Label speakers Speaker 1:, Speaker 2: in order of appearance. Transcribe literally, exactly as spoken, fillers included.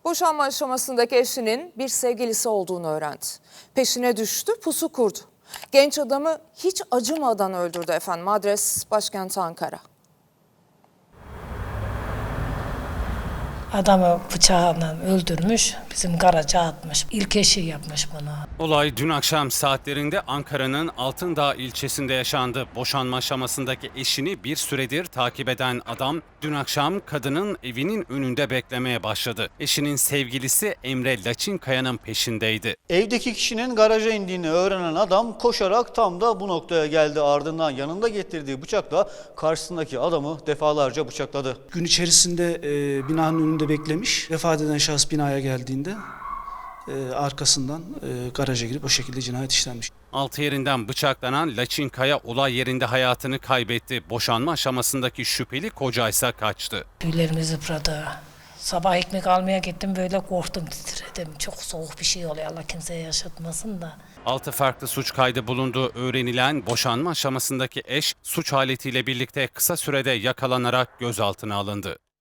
Speaker 1: Boşanma aşamasındaki eşinin bir sevgilisi olduğunu öğrendi. Peşine düştü, pusu kurdu. Genç adamı hiç acımadan öldürdü efendim. Adres başkent Ankara.
Speaker 2: Adamı bıçağla öldürmüş, bizim garaja atmış. İlk eşi yapmış bunu.
Speaker 3: Olay dün akşam saatlerinde Ankara'nın Altındağ ilçesinde yaşandı. Boşanma aşamasındaki eşini bir süredir takip eden adam dün akşam kadının evinin önünde beklemeye başladı. Eşinin sevgilisi Emre Laçinkaya'nın peşindeydi.
Speaker 4: Evdeki kişinin garaja indiğini öğrenen adam koşarak tam da bu noktaya geldi. Ardından yanında getirdiği bıçakla karşısındaki adamı defalarca bıçakladı.
Speaker 5: Gün içerisinde e, binanın önünde beklemiş. Vefat eden şahıs binaya geldiğinde e, arkasından e, garaja girip o şekilde cinayet işlenmiş.
Speaker 3: Altı yerinden bıçaklanan Laçinkaya olay yerinde hayatını kaybetti. Boşanma aşamasındaki şüpheli kocaysa kaçtı.
Speaker 2: Tüylerimiz yıpradı. Sabah ekmek almaya gittim, böyle korktum, titredim. Çok soğuk bir şey oluyor, Allah kimseye yaşatmasın da.
Speaker 3: Altı farklı suç kaydı bulunduğu öğrenilen boşanma aşamasındaki eş suç aletiyle birlikte kısa sürede yakalanarak gözaltına alındı.